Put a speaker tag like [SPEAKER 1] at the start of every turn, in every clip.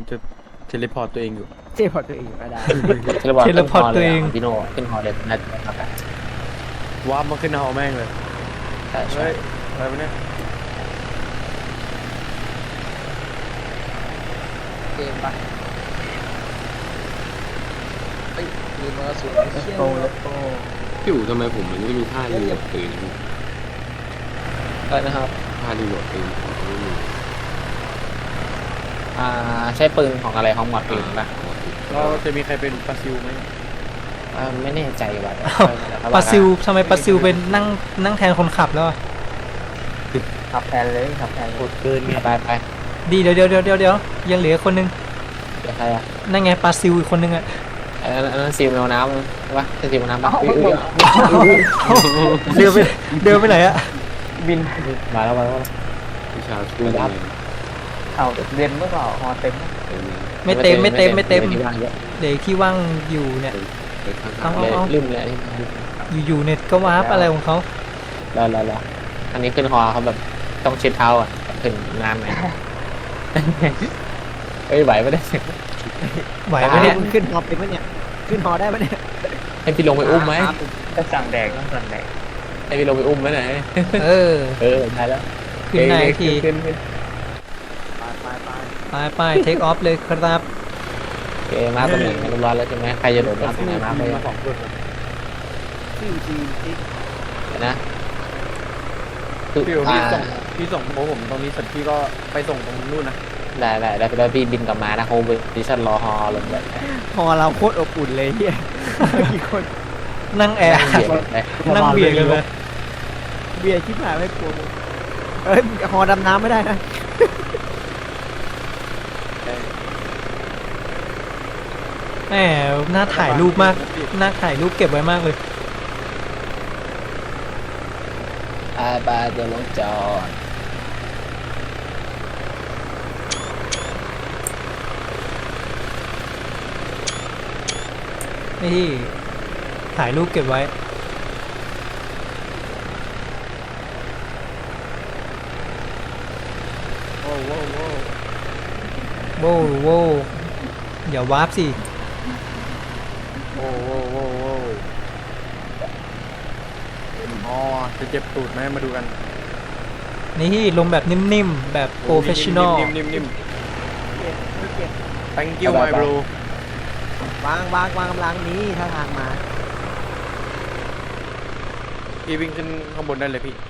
[SPEAKER 1] จะเทเลพอร์ตตัวเองอยู่
[SPEAKER 2] เจ๊พอตัวเองก็ได้
[SPEAKER 3] เทเลพอร์ตตัวเองพี่โน่ขึ้นฮอเลยน่าจะครับ
[SPEAKER 1] วาร์ปมาขึ้นหอแม่งเลย
[SPEAKER 3] ใช่ใช่
[SPEAKER 1] เฮ้ยอะไรวะเนี่ย
[SPEAKER 4] เกมปะเฮ้ยลืมมากระสุน
[SPEAKER 2] เลโก้เลโก้
[SPEAKER 5] พี่อู๋ทำไมผมมันไม่มีท่ารีโหลดปืนนะ
[SPEAKER 3] ก็นะครับ
[SPEAKER 5] ท่ารีโหลดปืนผมไม่มี
[SPEAKER 3] ใช้ปืนของอะไรของหมอดปืนป่ะ
[SPEAKER 1] เราจะมีใครเป็นปลาซิลไหม
[SPEAKER 3] ไม่แน่ใจว่ะ
[SPEAKER 6] ปาซิลทำไมปาซิลเป็นนั่งแทนคนขับแล้วอะ
[SPEAKER 2] ขับแทนเลยขับแทน
[SPEAKER 1] กดเกินไง
[SPEAKER 3] ไป
[SPEAKER 6] ดีเดี๋ยวยังเหลือคนนึง
[SPEAKER 3] เดี๋ยวใครอ่ะ
[SPEAKER 6] นั่นไงปาซิลอีกคนนึงอะ
[SPEAKER 3] อันนั้นซีมแมวน้ำใช่ปะใช่ซีมแมวน้ำปะ
[SPEAKER 6] เดินไปไหนอะ
[SPEAKER 2] บิน
[SPEAKER 3] มาแล้ว
[SPEAKER 5] วิชาช่วยยังไง
[SPEAKER 2] เอาเรียนเมื่อเปล่าฮอเต็ม
[SPEAKER 5] เต็มไหม
[SPEAKER 6] ไม่เต็ม
[SPEAKER 3] ที่ว่างเยอะ
[SPEAKER 6] เดี๋ยวที่ว่างอยู่เนี่ย
[SPEAKER 5] ไปข้าง
[SPEAKER 6] เอา
[SPEAKER 3] เลยลืมเลย
[SPEAKER 6] อยู่เน็ตก็วาร์ปอะไรของเขา
[SPEAKER 3] รออันนี้ขึ้นฮอเขาแบบต้องเช็ดเท้าอ่ะขึ้นน้ำไหมเฮ้ยไหวไม่ได้
[SPEAKER 6] ไหวไหมเนี่ย
[SPEAKER 2] ขึ้นฮอเป็นไหมเนี่ยขึ้นฮอได้ไหมเนี่ย
[SPEAKER 3] ให้พี่ลงไปอุ้มไหม
[SPEAKER 2] ต้องสั่งแดกต้องสั่งแดก
[SPEAKER 3] ให้พี่ลงไปอุ้มไหมไหน
[SPEAKER 6] เออ
[SPEAKER 3] ได้แล้ว
[SPEAKER 6] ขึ้นได้อีกที
[SPEAKER 3] ขึ้น
[SPEAKER 6] ไปเทคออฟเลยครับ
[SPEAKER 3] โอเคมาตรงไหนเรียบร้อยแล้วใช่ไหมใครจะโดดมาตรงไหนมาไป
[SPEAKER 1] มาสองคน
[SPEAKER 2] ชื่อจีนที่
[SPEAKER 3] นะคือ
[SPEAKER 1] พี่ส่งโอ้ผมตรงนี้เสร็จพี่ก็ไปส่งตรงนู่นนะ
[SPEAKER 3] ได้พี่บินกลับมานะโฮเวอร์ดิชั่นรอฮอลงเลย
[SPEAKER 2] ฮอเราโคตรอบอุ่นเลยเฮียกี่คน
[SPEAKER 6] นั่งแอร์
[SPEAKER 3] เบียดเลย
[SPEAKER 6] นั่งเบียดกันเลย
[SPEAKER 2] เบียร์ชิบหายไม่กลัวเอ้ยฮอดำน้ำไม่ได้นะ
[SPEAKER 6] แหมน่าถ่ายรูปมากน่าถ่ายรูปเก็บไว้มากเลย
[SPEAKER 3] บาจะลงจอด
[SPEAKER 6] นี่ถ่ายรูปเก็บไว้
[SPEAKER 1] โอ้โห
[SPEAKER 6] โว้วโว้วอย่าวาร์ปสิ
[SPEAKER 1] โอ้โหอ๋อจะเจ็บตูดไหมมาดูกัน
[SPEAKER 6] นี่ลงแบบนิ่มๆ แบบโปรเฟชชั่นอล
[SPEAKER 1] นิ่ม
[SPEAKER 2] เก็บ
[SPEAKER 1] thank you my bro
[SPEAKER 2] วางกำลังนี้ถ้าทางมา
[SPEAKER 1] พี่วิ่งขึ้นข้างบนได้เลยพี่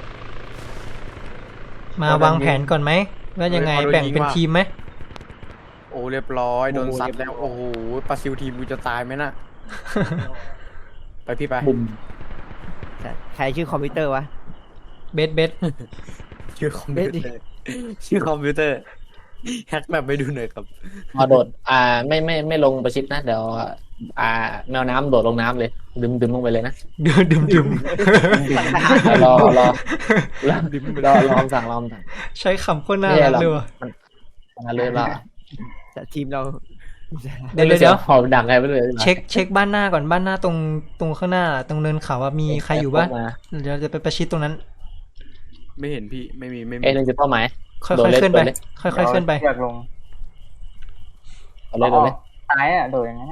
[SPEAKER 6] มาวางแผนก่อนไหมว่ายังไงแบ่งเป็นทีมไหม
[SPEAKER 1] โอ้เรียบร้อยโดนซัดแล้วโอ้โหปลาซิลทีมกูจะตายไหมน่ะ ไปพี่ไป
[SPEAKER 3] บุ่ม
[SPEAKER 2] ใครชื่อคอมพิวเตอร์วะ
[SPEAKER 6] เบส
[SPEAKER 1] ชื่อคอมพิวเตอร์ชื่อคอมพิวเตอร์แฮกแบบไปดูหน่อยครับ
[SPEAKER 3] พอโดดไม่ลงประชิดนะเดี๋ยวแมวน้ำโดดลงน้ำเลยดึมลงไปเลยนะ
[SPEAKER 6] ดื่ม
[SPEAKER 3] รอรอสั่ง
[SPEAKER 6] ใช้คำโคตรน่ารักเลยว่ะ
[SPEAKER 3] มาเลยล่ะ
[SPEAKER 2] แต่ทีมเรา
[SPEAKER 6] เดี๋ยว
[SPEAKER 3] หอบดังไงไปเลย
[SPEAKER 6] เช็คบ้านหน้าก่อนบ้านหน้าตรงข้างหน้าตรงเนินเขาว่ามีใครอยู่บ้างเดี๋ยวจะไปประชิดตรงนั้น
[SPEAKER 1] ไม่เห็นพี่ไม่มี
[SPEAKER 3] เนึงจะเป้าหมาย
[SPEAKER 6] ค่อยๆขึ้นไปค่อยๆขึ้นไป
[SPEAKER 2] อยากลง
[SPEAKER 3] เอาเลย
[SPEAKER 2] ตายอ่ะโดดอย่างนั้น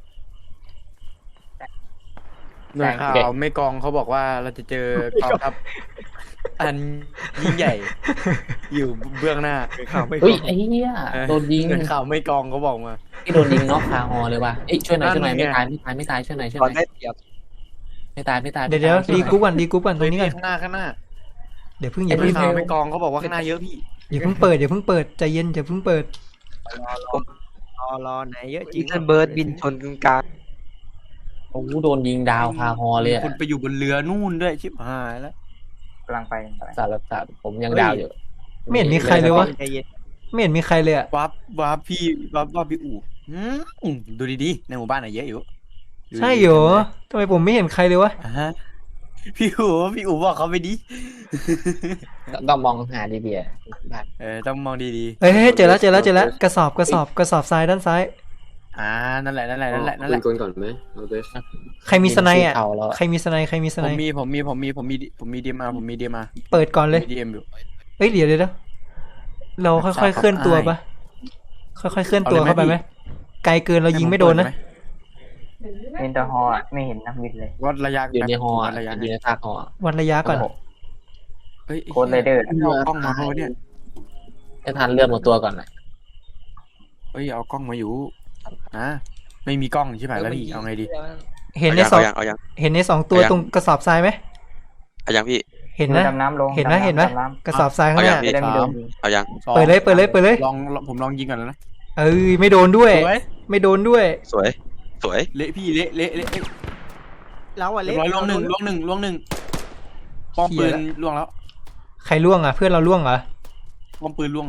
[SPEAKER 1] หน่วยข่าวไม่กองเขาบอกว่าเราจะเจอกองทัพอันยิ่งใหญ่ อยู่เบื้องหน้า
[SPEAKER 2] ข่าวไม่
[SPEAKER 3] เฮ้ยไอ้เหี้ยโดนยิง
[SPEAKER 1] หน่วยข่าวไม่กองเขาบอกมา
[SPEAKER 3] ที่โดนยิงน็อกคาฮอเลยว่ะเอ้ยช่วยหน่อยไม่ตายช่วยหน่อย
[SPEAKER 2] ได้เปรียบ
[SPEAKER 3] ไม่ตาย
[SPEAKER 6] เดี๋ยวดีกรุ๊ปก่อนตรงนี้ก่อน
[SPEAKER 1] ข้างหน้า
[SPEAKER 6] เดี๋ยวเพิ่ง
[SPEAKER 1] ห
[SPEAKER 6] อย่า
[SPEAKER 1] น่
[SPEAKER 6] เพิ่
[SPEAKER 1] วย
[SPEAKER 6] ง
[SPEAKER 1] ข่าวไม่กองเขาบอกว่าข้างหน้าเยอะพี่
[SPEAKER 6] เปิดใจเย็นอย่าเพิ่งเปิด
[SPEAKER 2] รอไหนเยอะจริ
[SPEAKER 4] อี
[SPEAKER 2] ง
[SPEAKER 4] เทนเบิร์ดบินชนกลาง
[SPEAKER 3] โอ้โดนยิงดาวคาฮอเลย
[SPEAKER 1] คุณไปอยู่บนเรือนู่นด้วยชิบหายแล้ว
[SPEAKER 2] กำลังไป
[SPEAKER 3] สารผมยังดาวอยู่
[SPEAKER 6] ไม่เห็นมีใครเลยวะ
[SPEAKER 2] ใจเย็น
[SPEAKER 6] ไม่เห็นมีใครเลยอะ
[SPEAKER 1] วับพี่วับพี่อู๋ดูดีๆในหมู่บ้านไหนเยอะอยู่
[SPEAKER 6] ใช่เหรอทำไมผมไม่เห็นใครเลยวะ
[SPEAKER 1] พี่อู๋บอกเขาไปดิ
[SPEAKER 3] ต้องมองหาดีเบีย
[SPEAKER 1] ต้องมองดี
[SPEAKER 6] เฮ้ยเจอแล้วกระสอบทรายด้านซ้าย
[SPEAKER 1] ๆนั่นแหละ
[SPEAKER 5] ปืนกลก่อนไหมเอาเบส
[SPEAKER 6] ใครมีสไนด์อ่ะใครมีสไนด์
[SPEAKER 1] ผมมีดีมา
[SPEAKER 6] เปิดก่อนเลย
[SPEAKER 1] ดีเอ็มอยู่
[SPEAKER 6] เอ้ยเดี๋ยวเราค่อยๆเคลื่อนตัวปะค่อยๆเคลื่อนตัวเข้าไปไหมไกลเกินเรายิงไม่โดนนะ
[SPEAKER 7] เห็นแต่ฮออะไม่เห็นนักบินเลย
[SPEAKER 1] วัดระยะ
[SPEAKER 3] อยู่ในฮอ
[SPEAKER 1] วัดระยะ
[SPEAKER 3] อยู่ในซากฮอ
[SPEAKER 6] วัดระยะก่อน
[SPEAKER 1] เฮ้ย
[SPEAKER 7] โค้ดไรเดอร์
[SPEAKER 1] เอากล้องมาเพราะเนี่ย
[SPEAKER 3] ให้ทันเลื่อนหมดตัวก่อนนะ
[SPEAKER 1] เฮ้ยเอากล้องมาอยู่ไม่มีกล้องใช่ไหมแล้วพี่เอาไงดี
[SPEAKER 6] เห็นในสอง
[SPEAKER 8] เอายัง
[SPEAKER 6] เห็นในสองตัวตรงกระสอบทรายไหม
[SPEAKER 8] เอายังพี่
[SPEAKER 6] เห็นนะ
[SPEAKER 7] ดำน้ำลง
[SPEAKER 6] เห็นไหม
[SPEAKER 7] ดำำ
[SPEAKER 6] เห็นไหม
[SPEAKER 7] ดำน้ำ
[SPEAKER 6] กระสอบทรายข้างหน้า
[SPEAKER 8] เอาอย่าง
[SPEAKER 7] จะได้ไม่โดนยิง
[SPEAKER 8] เอายัง
[SPEAKER 1] สอง
[SPEAKER 6] เปิดเลย
[SPEAKER 1] ลองผมลองยิงก่อนแล้วนะ
[SPEAKER 6] เอ้ยไม่โดนด้วย
[SPEAKER 1] สวย
[SPEAKER 6] ไม่โดนด้วย
[SPEAKER 8] สวย สวย
[SPEAKER 1] เละพี่เละเละเละเละ
[SPEAKER 2] เราอะ
[SPEAKER 1] เรี
[SPEAKER 2] เล็
[SPEAKER 1] ยบร้อยล่วงหนึ่งป้อมปืนล่วงแล้ว
[SPEAKER 6] ใครล่วงอ่ะเพื่อนเราล่วงเหรอ
[SPEAKER 1] ป้อมปืนล่วง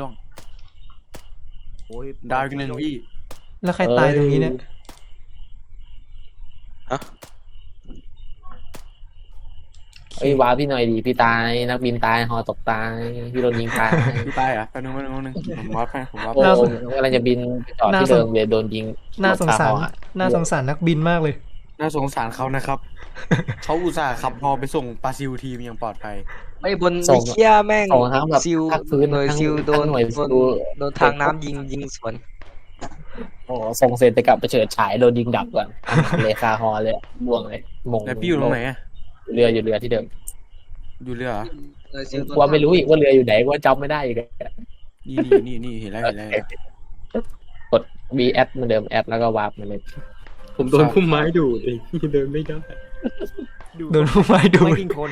[SPEAKER 2] โอ้ย
[SPEAKER 1] ดาวอีกหนึ่งพี่
[SPEAKER 6] แล้วใครตายตรงนี้เนี่ย
[SPEAKER 3] เอ้ยวาพี่หน่อยดีพี่ตายนักบินตายฮอตกตายพี่โดนยิงตาย
[SPEAKER 1] พี่ตายเหรอ่ะแป๊บนึงผมวัดให้ผมวัด
[SPEAKER 3] โอ้กำลังจะบินไปจอดที่เดิมเลยโดนยิง
[SPEAKER 6] น่าสงสาร
[SPEAKER 3] ฮออะ
[SPEAKER 6] น่าสงสารนักบินมากเลย
[SPEAKER 1] น่าสงสารเขานะครับ เขาอุตส่าห์ขับฮอไปส่งปาซิลทีมอย่างปลอดภัย
[SPEAKER 4] ไม่บนไอ้เชี่ยแม่ง
[SPEAKER 3] ส่งทั้งแบบ
[SPEAKER 4] ซิล
[SPEAKER 3] ภาคพื้น
[SPEAKER 4] หน่วย
[SPEAKER 3] ทั้ง
[SPEAKER 4] ซิลโดน
[SPEAKER 3] ทั้งหน่วย
[SPEAKER 4] โด
[SPEAKER 3] ซิ
[SPEAKER 4] น
[SPEAKER 3] ล
[SPEAKER 4] โดนทางน้ำยิงสวน
[SPEAKER 3] โอ้ส่งเสร็จไปกลับไปเฉิดฉายโดนยิงดับก่อนเลยคาฮอเลยบ่วงเลยมง
[SPEAKER 1] แล้วพี่อยู่ตรงไหนอ่ะ
[SPEAKER 3] อยู่เรือที่เดิม
[SPEAKER 1] อยู่เรือเหรอ
[SPEAKER 4] หน่วยซิล
[SPEAKER 3] ว่าไม่รู้อีกว่าเรืออยู่ไหนว่าจำไม่ได้อีก
[SPEAKER 1] นี่เห็นแล้ว
[SPEAKER 3] กด V แอดเหมือนเดิมแอดแล้วก็วาร์ปมาเลย
[SPEAKER 5] ผมโดนพุ่มไม้ดูดเองเดินไม่ได้
[SPEAKER 6] โดนผู้ไม้ดู
[SPEAKER 2] ไม่
[SPEAKER 6] ด
[SPEAKER 2] ยิงคน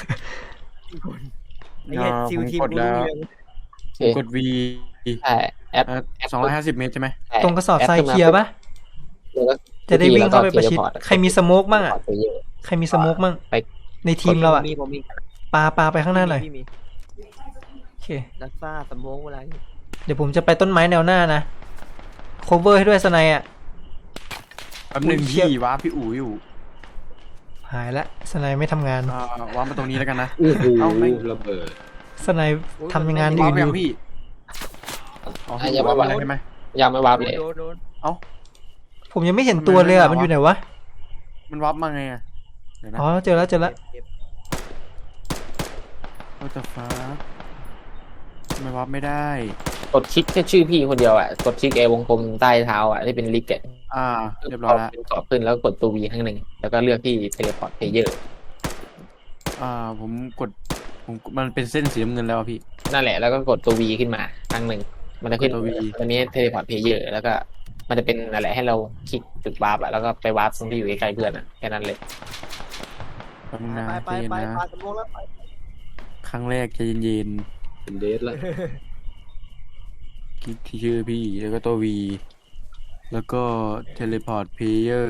[SPEAKER 2] ไอ้เหี้ยซิลทีม
[SPEAKER 1] กดแล้ว กด V
[SPEAKER 3] ใช่แอด
[SPEAKER 1] 250 เมตรใช่ไหม
[SPEAKER 6] ตรงกระสอบทรายเคลียร์ปะจะได้วิ่งเข้าไปประชิดใครมีสโมกมั่งอ่ะใครมีสโมกมั่ง
[SPEAKER 3] ไป
[SPEAKER 6] ในทีมเราอ่ะ
[SPEAKER 2] ผมมี
[SPEAKER 6] ปาไปข้างหน้าหน่อย
[SPEAKER 2] พี่มี
[SPEAKER 6] โอเค
[SPEAKER 2] ดักซ่าสมองเวลา
[SPEAKER 6] เดี๋ยวผมจะไปต้นไม้แนวหน้านะ cover ให้ด้วยสไนอ่ะ
[SPEAKER 1] แป๊บนึงพี่ว้าพี่อู๋อยู่
[SPEAKER 6] หายละสไนไม่ทำงาน
[SPEAKER 1] ว้ามาตรงนี้แล้วกันนะ
[SPEAKER 5] โอ้โห
[SPEAKER 1] เอาไม่
[SPEAKER 5] ระเบิด
[SPEAKER 6] สไนทำงาน
[SPEAKER 1] ว้า
[SPEAKER 6] อื่น
[SPEAKER 1] ไป
[SPEAKER 6] อ
[SPEAKER 1] ยัง
[SPEAKER 6] ยู่
[SPEAKER 1] พี่
[SPEAKER 3] อย่ามาว่า
[SPEAKER 1] ใช่ไหม
[SPEAKER 3] ยังไม่วาร์ปเลย
[SPEAKER 2] โดน
[SPEAKER 6] ผมยังไม่เห็นตัวเลยอ่ะ มันอยู่ไหนวะ
[SPEAKER 1] มันวับมาไงอ่ะเดี๋ยวนะ
[SPEAKER 6] อ๋อเจอแล้ว
[SPEAKER 2] เจ็บ
[SPEAKER 1] What the fuck ทำไมวับไม่ได้
[SPEAKER 3] กดคลิกแค่ชื่อพี่คนเดียวอ่ะกดคลิกวงกลมใต้เท้าอ่ะที่เป็นลิกเก็ต
[SPEAKER 1] เรียบร้อยแล้ว
[SPEAKER 3] เป็นกรอบขึ้นแล้วกดตัว V ข้างหนึ่งแล้วก็เลือกที่เทเลพอร์ตเพลเยอร์
[SPEAKER 1] ผมมันเป็นเส้นสีน้ำเงินแล้วอะพี่
[SPEAKER 3] นั่นแหละแล้วก็กดตัว V ขึ้นมาข้างหนึ่งมันจะขึ้น
[SPEAKER 1] กดตัว V
[SPEAKER 3] ตัวนี้เทเลพอร์ตเพลเยอร์แล้วก็มันจะเป็นอะไรให้เราคลิกจุดวาร์ปอ่ะแล้วก็ไปวาร์ปตรงที่อยู่ใกล้ๆเพื่อนอ่ะแค่นั้นเลย
[SPEAKER 1] แป๊บนึงนะ
[SPEAKER 2] ไป
[SPEAKER 1] ใจเย็นนะ
[SPEAKER 2] สมองแล้วไป
[SPEAKER 1] ครั้งแรกใจเย็น
[SPEAKER 5] เป็นเดทละ
[SPEAKER 1] ๆคลิกที่ชื่อพี่แล้วก็ตัว V แล้วก็ teleport player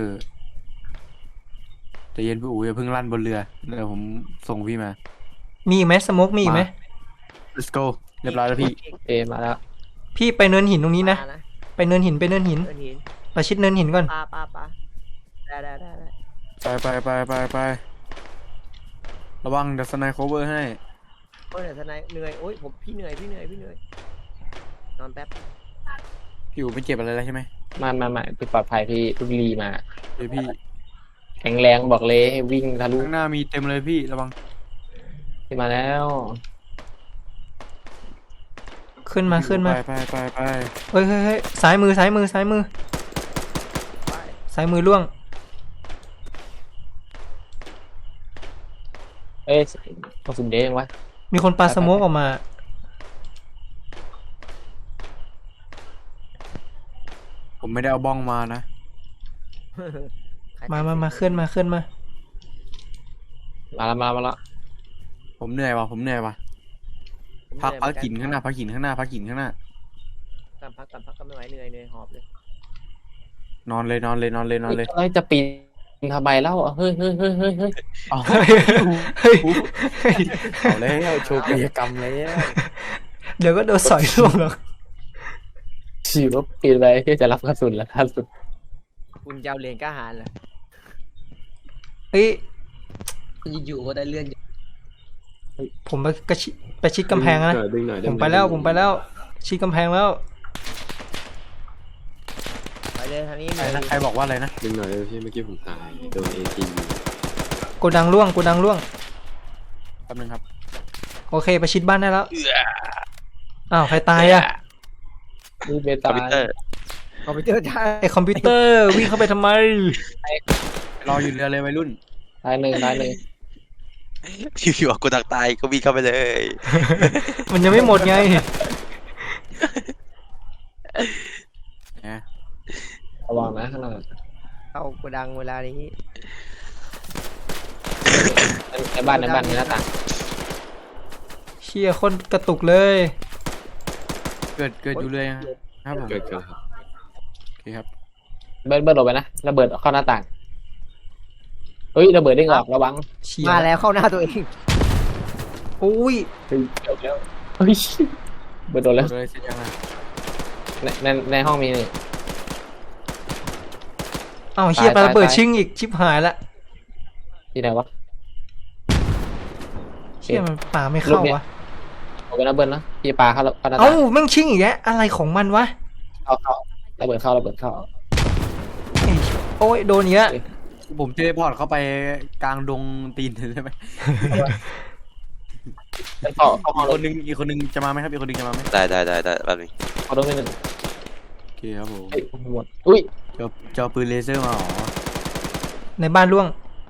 [SPEAKER 1] ใจเย็นพี่อู๋อย่าเพิ่งลั่นบนเรือเดี๋ยวผมส่งพี่มา
[SPEAKER 6] มีอีกไหมสโมกมีอีกไหม
[SPEAKER 1] let's go เรียบร้อยแล้วพี่
[SPEAKER 3] มาแล้ว
[SPEAKER 6] พี่ไปเนินหินตรงนี้นะ ไปเนินหิน
[SPEAKER 2] เดินหิน
[SPEAKER 6] ประชิดเนินหินก่อน
[SPEAKER 2] ปาได้
[SPEAKER 1] ไประวังเดี๋ยวสไนโคเวอร์ให้
[SPEAKER 2] โอ้ยทนายเหนื่อยโอ้ยผมพี่เหนื่อยนอนแป๊บ
[SPEAKER 1] พี่อู๋ไม่เจ็บอะไรแล้วใช่ไหม
[SPEAKER 3] มาพี่ปลอดภัยพี่ทุกรีมา
[SPEAKER 1] เดี๋ยวพี่
[SPEAKER 3] แข็งแรงบอกเลยให้วิ่งทะลุ
[SPEAKER 1] ข้างหน้ามีเต็มเลยพี่ระวัง
[SPEAKER 3] ขึ้นมาแล้ว
[SPEAKER 6] ขึ้นมา
[SPEAKER 1] ไป
[SPEAKER 6] เฮ้ยซ้ายมือล่วง
[SPEAKER 3] เอ้ยกระสุนเด้งวะ
[SPEAKER 6] มีคนปาสโมกออกมา
[SPEAKER 1] ผมไม่ได้เอาบ้องมานะ
[SPEAKER 6] มาเคลื่อนมา
[SPEAKER 3] มาแล้ว
[SPEAKER 1] ผมเหนื่อยว่ะพักหินข้างหน้า
[SPEAKER 2] พักก็ไม่ไหวเหนื่อยหอบเลย
[SPEAKER 1] นอนเลย
[SPEAKER 3] เราจะปีนทำไมเล่าเฮ้ย
[SPEAKER 1] เอา
[SPEAKER 6] เฮ้ย
[SPEAKER 1] เอาแล้วโชว์กิจกรรมแล้ว
[SPEAKER 6] เดี๋ยวก็โดนสอยล่วงหรอก
[SPEAKER 3] ฉีว่าปีนไปเพื่อจะรับกระสุนแล้วล่าสุด
[SPEAKER 2] คุณเจ้าเรียนกล้าหาญเหรอ
[SPEAKER 6] เฮ้ย
[SPEAKER 4] อยู่ๆก็ได้เลื่อน
[SPEAKER 6] ผมไปชิดกำแพงนะ
[SPEAKER 5] ดึงหน่อย
[SPEAKER 6] ผมไปแล้ว ชิดกำแพงแล้ว
[SPEAKER 2] ไปเลยทางนี้
[SPEAKER 1] ใครบอกว่าอะไรนะ
[SPEAKER 5] ดึงหน่อยเลยพี่เมื่อกี้ผมตายโดนเอที
[SPEAKER 6] โกดังล่วง
[SPEAKER 1] แป๊บนึงครับ
[SPEAKER 6] โอเคไปชิดบ้านได้แล้ว อ้าวใครตายอ่ะ
[SPEAKER 3] นี่เบ
[SPEAKER 8] คอ
[SPEAKER 3] ตาม
[SPEAKER 8] พิวเตอร์
[SPEAKER 2] คอมพิวเตอร์ได้
[SPEAKER 6] ไอคอมพิวเตอร์วิ่งเข้าไปทำไม
[SPEAKER 1] รออยู่เรือเลยวัยรุ่น
[SPEAKER 3] ตายหนึ่ง
[SPEAKER 8] อยู่ๆกูดักตายก็วิ่งเข้าไปเลย
[SPEAKER 6] มันยังไม่หมดไง
[SPEAKER 1] นะ
[SPEAKER 3] ระวังนะข้างหน้า
[SPEAKER 2] เข้าโกดังเวลานี้
[SPEAKER 3] ในบ้านในหน้าต่าง
[SPEAKER 6] เชี่ยคนกระตุกเลย
[SPEAKER 1] เกิดอยู่เลยครับผม
[SPEAKER 5] เกิดครับ
[SPEAKER 1] โอเคครับ
[SPEAKER 3] เบิร์ดหลบไปนะระเบิดเข้าหน้าต่างเฮ้ยระเบิดได้งออกระวัง
[SPEAKER 6] เชี่ย
[SPEAKER 2] มาแล้วเข้าหน้าตัวเอง
[SPEAKER 6] อุ้ย
[SPEAKER 3] เฮ้ยเดี๋ยวแล้วเฮ้ยเบิร์ดโดนแล้ว
[SPEAKER 1] เลยเสร็จยังไง
[SPEAKER 3] ในห้องมีนี่
[SPEAKER 6] อ้าวเชี่ย
[SPEAKER 3] ตาย
[SPEAKER 6] ปาระเบิด
[SPEAKER 3] ตาย
[SPEAKER 6] ชิงอีกชิบหายละ
[SPEAKER 3] ที่ไหนวะ
[SPEAKER 6] เชี่ยมันป่าไม่เข้าวะ
[SPEAKER 3] เอาไปนะเบิร์ดนะพี่ปลาเข้าหน้าต่า
[SPEAKER 6] เอ้าง แม่งชิงอีกแล้วอะไรของมันวะ
[SPEAKER 3] เข้าระเบิดเข้า
[SPEAKER 6] ไอ้โอ้ยโดนอีกแล้ว
[SPEAKER 1] ผมเทเลพอร์ตเข้าไปกลางดงตีนเลยใช่ไหม
[SPEAKER 3] เข้าห้อง
[SPEAKER 1] อีกคนนึงจะมาไหมครับอีกคนนึงจะมาไหม
[SPEAKER 8] ได้แป๊บนึง
[SPEAKER 3] เข้าตรงนี้หนึ่ง
[SPEAKER 1] โอเคครับผม
[SPEAKER 3] เฮ้ยหมดอุ้ย
[SPEAKER 1] จะเอาปืนเลเซอร์มาหรอ
[SPEAKER 6] ในบ้านล่วง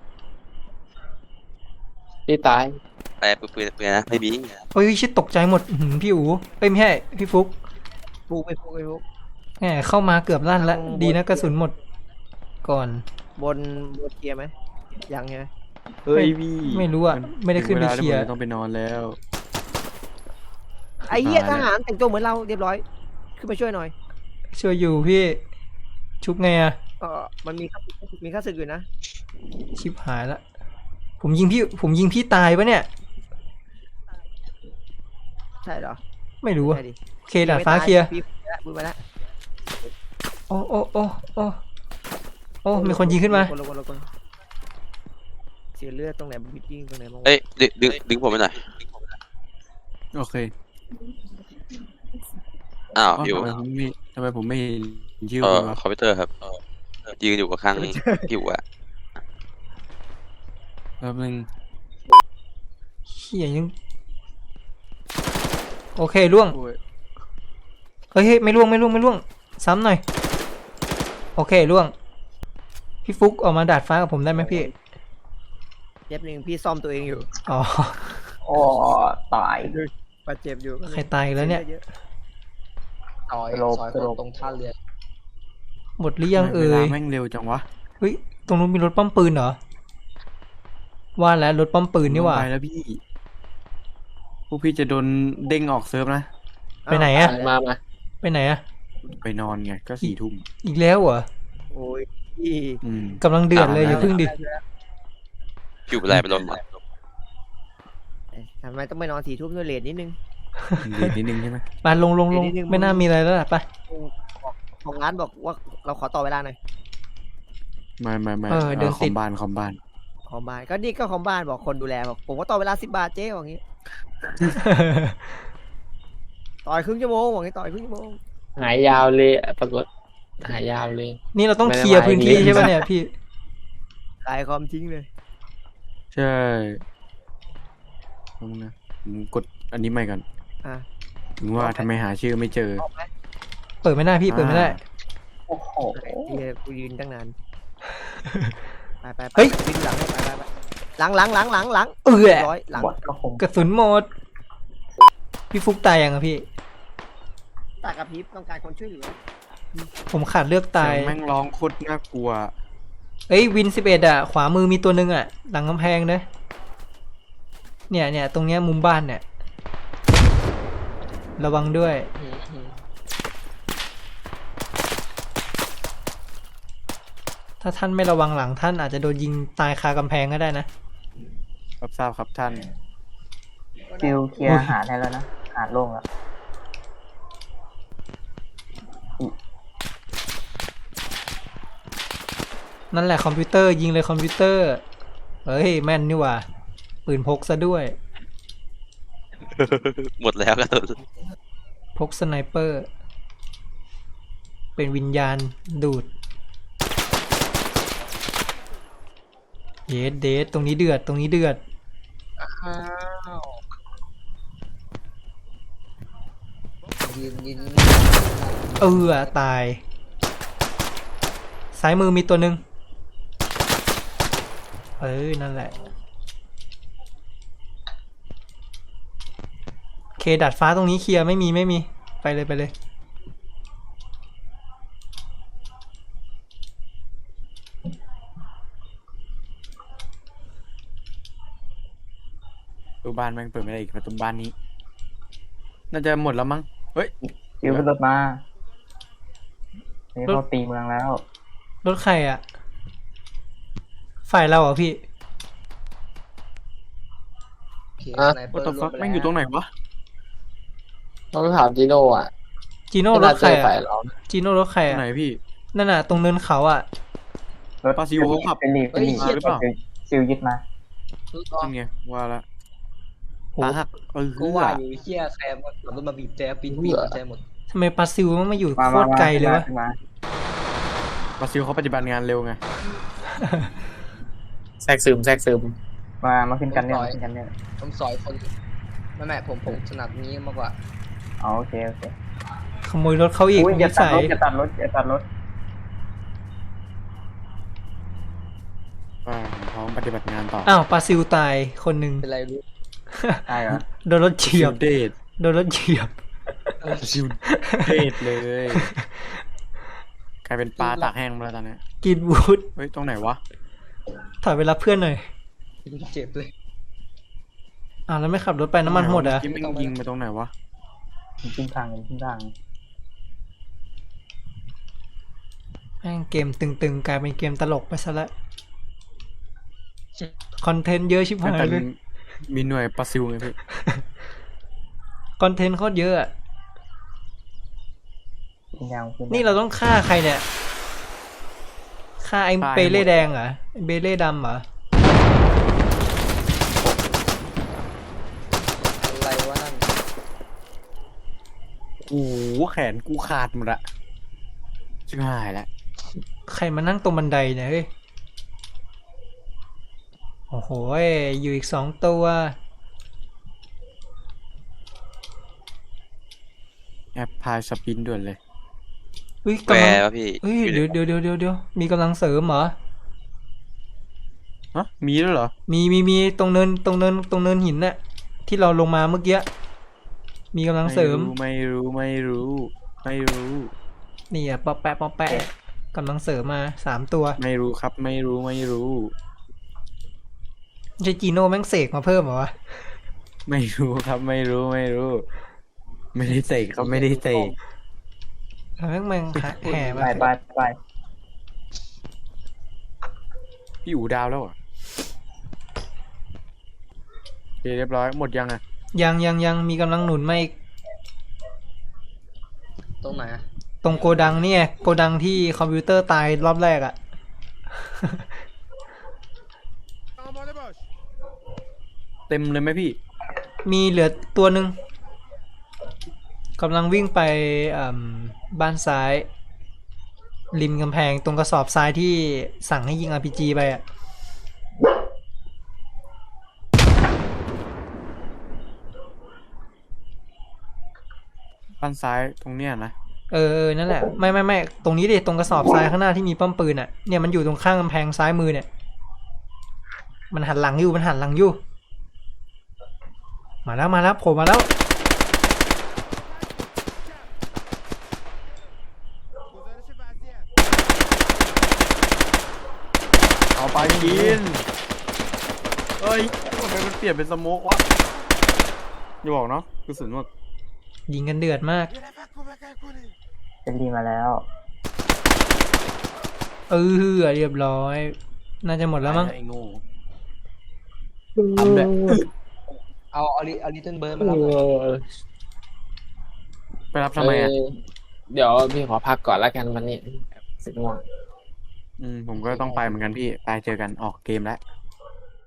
[SPEAKER 3] พี่ตาย
[SPEAKER 8] แต่ปืนนะไม่มี
[SPEAKER 6] โอ้ยชิดตกใจหมดอื้อหือพี่อู๋เอ้ยไม่ใช่พี่ฟุก
[SPEAKER 2] ฟูไปฟู
[SPEAKER 6] แหมเข้ามาเกือบลั่นละดีนะกระสุนหมดก่อน
[SPEAKER 2] บนเคลียร์ไหมยังไง
[SPEAKER 1] เฮ้ยพี่
[SPEAKER 6] ไม่รู้อะไม่ได้ขึ้นไปเคลียร์
[SPEAKER 1] ต้องไปนอนแล้ว
[SPEAKER 2] ไอ้เหี้ยทหารแต่งตัวเหมือนเราเรียบร้อยขึ้นมาช่วยหน่อย
[SPEAKER 6] ช่วยอยู่พี่ชุบไงอะ
[SPEAKER 2] มันมีข้าศึกอยู่นะ
[SPEAKER 6] ชิบหายละผมยิงพี่ตายปะเนี่ย
[SPEAKER 2] ใช่เหรอ
[SPEAKER 6] ไม่รู้อะ
[SPEAKER 2] ใช่ดิ
[SPEAKER 6] โอเคดาดฟ้าเคลียร์
[SPEAKER 2] พูดมาแล้ว
[SPEAKER 6] โอ้มีคนยิงขึ้นมา
[SPEAKER 2] คนเสียเลือดตรงไหนบิดยิงตรงไหนบ้าง
[SPEAKER 8] เอ้ยดึงผมไปหน่อย
[SPEAKER 1] โอเค
[SPEAKER 8] อ้าวอยู่
[SPEAKER 1] ทำไมผมไม่เห็นชื่อ
[SPEAKER 8] ค
[SPEAKER 1] คุณวะ
[SPEAKER 8] อมพิวเตอร์ครับยืนอยู่กับข้างพี่อู๋อะ
[SPEAKER 1] แป๊บนึง
[SPEAKER 6] เฮียยังโอเคล่วง
[SPEAKER 1] โอ้ย
[SPEAKER 6] เฮ้ยไม่ล่วงซ้ำหน่อยโอเคล่วงพี่ฟุกออกมาดาดฟ้ากับผมได้ไหมพี่
[SPEAKER 2] เจ็บหนึ่งพี่ซ่อมตัวเองอยู่
[SPEAKER 6] อ๋อ
[SPEAKER 7] โอ้ตาย
[SPEAKER 2] บาดเจ็บอยู่
[SPEAKER 6] ใครตายอีกแล้วเนี่ย
[SPEAKER 4] ซอยตรงท่าเรือ
[SPEAKER 6] หมดหรือยังเอ่
[SPEAKER 1] เวลาย แม่งเร็วจังวะ
[SPEAKER 6] เฮ้ยตรงนู้นมีรถป้อมปืนเหรอว่าแล้วรถป้อมปืนนี่หว่า
[SPEAKER 1] ไปแล้วพี่พวกพี่จะโดนเด้งออกเซิร์ฟนะ
[SPEAKER 6] ไปไหนอะ
[SPEAKER 3] มา
[SPEAKER 6] ไปไหนอะ
[SPEAKER 1] ไปนอนไงก็4 ทุ่ม
[SPEAKER 6] อีกแล้วเหรอ
[SPEAKER 2] โอ้ยพี่
[SPEAKER 6] กำลังเดือดเลยอย่าพึ่งดิ
[SPEAKER 8] พี่อู๋อะไรไปลงมา
[SPEAKER 2] ทำไมต้องไปนอน4 ทุ่มด้วยเลทนิดนึง
[SPEAKER 1] เดี๋ยวนิดนึงใช่ไหม
[SPEAKER 6] ไปลงไม่น่ามีอะไรแล้วล่ะไป
[SPEAKER 2] ของร้านบอกว่าเราขอต่อเวลาหน่อย
[SPEAKER 1] ไม่
[SPEAKER 6] เออเดิน
[SPEAKER 1] ค
[SPEAKER 6] ติ
[SPEAKER 1] อ
[SPEAKER 6] ด
[SPEAKER 1] มบ้าน
[SPEAKER 2] คอมบ้านก็นี่ก็คอมบ้านบอกคนดูแลบอกผมก็ต่อเวลา10 บาทเจ๊บอกงี้ต่อยครึ่งชั่วโมงบอกงี้ต่อยครึ่งชั่วโมง
[SPEAKER 3] หายยาวเลยปรากฏหายยาวเลย
[SPEAKER 6] นี่เราต้องเคลียร์พื้นที่ใช่ปะเนี่ยพี่
[SPEAKER 2] ตายความทิ้งเลย
[SPEAKER 1] ใช่เอานะผมกดอันนี้ใหม่ก่อน
[SPEAKER 2] อ่ะ
[SPEAKER 1] ถึงว่าทำไมหาชื่อไม่เจอ
[SPEAKER 6] เปิดไม่ได้พี่เปิดไม่ได้
[SPEAKER 7] โอ้โห
[SPEAKER 2] ที่กูยืนตั้งนานไป
[SPEAKER 6] เฮ้ย
[SPEAKER 2] วิ่งหลังให้ไปหลัง
[SPEAKER 6] เอื้อ
[SPEAKER 2] ร้อยหลัง
[SPEAKER 7] บอดก็คง
[SPEAKER 6] กระสุนหมดพี่ฟุกตายยังอะพี่
[SPEAKER 2] ตากระพริบต้องการคนช่วยเหลือ
[SPEAKER 6] ผมขาดเลือกตาย
[SPEAKER 1] เสีงแม่งร้องโคตรน่ากลัว
[SPEAKER 6] เอ้ยวิน11อะขวามือมีตัวหนึ่งอะหลังกำแพงเนอะเนี่ยตรงเนี้ยมุมบ้านเนี่ยระวังด้วยถ้าท่านไม่ระวังหลังท่านอาจจะโดนยิงตายคากำแพงก็ได้นะ
[SPEAKER 1] รับทราบครับท่าน
[SPEAKER 7] ฟิลเคลียร์อาหารได้แล้วนะอาหารโล่งแล้ว
[SPEAKER 6] นั่นแหละคอมพิวเตอร์ยิงเลยคอมพิวเตอร์เฮ้ยแม่นนี่หว่าปืนพกซะด้วย
[SPEAKER 8] หมดแล้วกระสุน
[SPEAKER 6] พกสไนเปอร์ เป็นวิญญาณดูดเดทตรงนี้เดือด
[SPEAKER 4] ยืน
[SPEAKER 6] ตายซ้ายมือมีตัวหนึ่งนั่นแหละเคดัดฟ้าตรงนี้เคลียร์ไม่มีไปเลย
[SPEAKER 1] ประตูบ้านแม่งเปิดไม่ได้อีกประตูบ้านนี้ น่าจะหมดแล้วมั้งเฮ้ย
[SPEAKER 7] ฟิวขึ้นรถมานี่เขาตีเมืองแล้ว
[SPEAKER 6] รถใครอ่ะฝ่ายเราเหรอพี่
[SPEAKER 4] โอเค
[SPEAKER 3] อ่ะ
[SPEAKER 4] สไนเปอ
[SPEAKER 1] วั
[SPEAKER 4] ร์
[SPEAKER 1] ตถุ
[SPEAKER 4] รว
[SPEAKER 1] ฟั
[SPEAKER 4] ม
[SPEAKER 1] ก
[SPEAKER 4] ไป
[SPEAKER 1] แม่งอยู่ตรงไหนวะ
[SPEAKER 3] ต้องถามจีโน่อ่ะ
[SPEAKER 6] จีโน่ร
[SPEAKER 3] น่า
[SPEAKER 6] ถ
[SPEAKER 3] เจ
[SPEAKER 6] ใคร
[SPEAKER 3] อ
[SPEAKER 6] อ่ะ
[SPEAKER 3] ฝ่ายเรานะ
[SPEAKER 6] จีโน่รถใคร
[SPEAKER 1] ตรง
[SPEAKER 6] อ่ะ
[SPEAKER 1] ไหนพี่
[SPEAKER 6] นั่นน่ะตรงเนินเขาอ่ะ
[SPEAKER 7] รถ
[SPEAKER 1] ปาซิวเขาขับ
[SPEAKER 7] เป็นหลี
[SPEAKER 1] เฮ้ยเหี้ยหรือเปล่า
[SPEAKER 7] ซิวยึดมา
[SPEAKER 1] นั่นไงว่าละ
[SPEAKER 6] โห
[SPEAKER 1] ตาหัก
[SPEAKER 4] กูว่าอยู่เฮียแซมขับรถมาบีบแจปีนบีบแจหมด
[SPEAKER 6] ทำไมปลาซิวมันมาอยู่
[SPEAKER 7] มา
[SPEAKER 6] โคตรไกลเลยวะ
[SPEAKER 7] มา
[SPEAKER 1] ปาซิวเขาปฏิบัติงานเร็วไง
[SPEAKER 3] แทรกซึม
[SPEAKER 7] มาขึ้นกันเนี่ยมาขึ้นกันเนี่ย
[SPEAKER 4] ผมสอยคนแม่ผมถนัดนี้มากกว่า
[SPEAKER 7] อ๋อโอเค
[SPEAKER 6] ขโมยรถเขาอีก
[SPEAKER 7] อุ้ยอย่า
[SPEAKER 6] นิ
[SPEAKER 7] ตัด
[SPEAKER 6] สัย
[SPEAKER 7] รถอย่าตัดรถอย่าตัดรถ
[SPEAKER 1] ว่าผมพร้อมปฏิบัติงานต่อ
[SPEAKER 6] อ้าวปลาซิวตายคนหนึ่ง
[SPEAKER 4] เป็นไรรู้
[SPEAKER 7] ใช่เหรอ
[SPEAKER 6] โดนรถเฉียบ
[SPEAKER 1] เดท
[SPEAKER 6] โดนรถเฉียบ
[SPEAKER 1] ซิวเดทเลยกลายเป็นปลาตากแห้งมาแล้วตอนนี้
[SPEAKER 6] กินวูด
[SPEAKER 1] เฮ้ยตรงไหนวะ
[SPEAKER 6] ถอยไปรับเพื่อนหน่อย
[SPEAKER 4] เจ็บเลย
[SPEAKER 6] อ้าวแล้วไม่ขับรถไปน้ำมันหมดเหรอ่ะ
[SPEAKER 1] เมื่อกี้แม่งยิงไปตรงไหนวะ
[SPEAKER 7] ขึ้นทางขึ้นทาง
[SPEAKER 6] แม่งเกมตึงๆกลายเป็นเกมตลกไปซะละคอนเทนต์เยอะชิบหายเลย
[SPEAKER 1] มีหน่วยปาซิวไงพี่
[SPEAKER 6] คอนเทนต์โคตรเยอะอะ
[SPEAKER 7] ขึ้นยาวขึ้น
[SPEAKER 6] นี่เราต้องฆ่าใครเนี่ยฆ่าไอ้เบเล่แดงเหรอไอ้เบเล่ดำเหรอ
[SPEAKER 4] อะไรวะนั่น
[SPEAKER 1] โอ้โหแขนกูขาดหมดอะชิบหายแล้ว
[SPEAKER 6] ใครมานั่งตรงบันไดเนี่ยเฮ้ยโอ้โหอยู่อีก2 ตัว
[SPEAKER 1] แอปพายสปินด่วนเลย
[SPEAKER 6] อุ้ย
[SPEAKER 8] แหว
[SPEAKER 6] กำลัง
[SPEAKER 8] วะพี่
[SPEAKER 6] เฮ้ยเดี๋ยวมีกำลังเสริมเหรอ
[SPEAKER 1] ฮะ มีแล้วเหรอ
[SPEAKER 6] มีตรงเนินหินน่ะที่เราลงมาเมื่อกี้มีกำลังเสริม
[SPEAKER 1] ไม่รู้
[SPEAKER 6] นี่อ่ะป๊อปแปะกำลังเสริมมา3 ตัว
[SPEAKER 1] ไม่รู้ครับ ไม่รู้
[SPEAKER 6] ไม่ใช่จีโน่แม่งเสกมาเพิ่มเหรอวะ
[SPEAKER 1] ไม่รู้ครับ ไม่รู้ ไม่ได้เตะเขาไม่ได้เตะ
[SPEAKER 6] แม่งแห่มา
[SPEAKER 7] ไป
[SPEAKER 1] พี่อู๋ดาวแล้วเหรอ่ะโอเคเรียบร้อยหมดยังอ่ะ
[SPEAKER 6] ยังมีกำลังหนุนมาอีก
[SPEAKER 4] ตรงไหนอะ
[SPEAKER 6] ตรงโกดังเนี่ยโกดังที่คอมพิวเตอร์ตายรอบแรกอะ
[SPEAKER 1] เต็มเลยไหมพี่
[SPEAKER 6] มีเหลือตัวหนึ่งกำลังวิ่งไปบ้านซ้าย ริมกำแพงตรงกระสอบทรายที่สั่งให้ยิง RPG ไปอะ
[SPEAKER 1] บ้านซ้ายตรงเนี้ยนะ
[SPEAKER 6] นั่นแหละไม่ตรงนี้ดิตรงกระสอบทรายข้างหน้าที่มีป้อมปืนอะเนี่ยมันอยู่ตรงข้างกำแพงซ้ายมือเนี่ยมันหันหลังอยู่มาแล้วโผล่มาแล้ว
[SPEAKER 1] เอาไปกินเอ้ยทำไมมันเปลี่ยนเป็นสโมกวะอย่าบอกเนาะกระสุนหมด
[SPEAKER 6] ยิงกันเดือดมาก
[SPEAKER 7] เป็นดีมาแล้ว
[SPEAKER 6] เรียบร้อย น่าจะหมดแล้วมั้ง
[SPEAKER 1] ไอ้โง่ทำเลย
[SPEAKER 4] เอาลิตเติ้ลเบิร์ดมารับหน่อย
[SPEAKER 1] ไปรับทำไมอ่ะ
[SPEAKER 3] เดี๋ยวพี่ขอพักก่อนแล้วกันวันนี้เสร็จง่วง
[SPEAKER 1] ผมก็ต้องไปเหมือนกันพี่ ไปเจอกันออกเกมแล้ว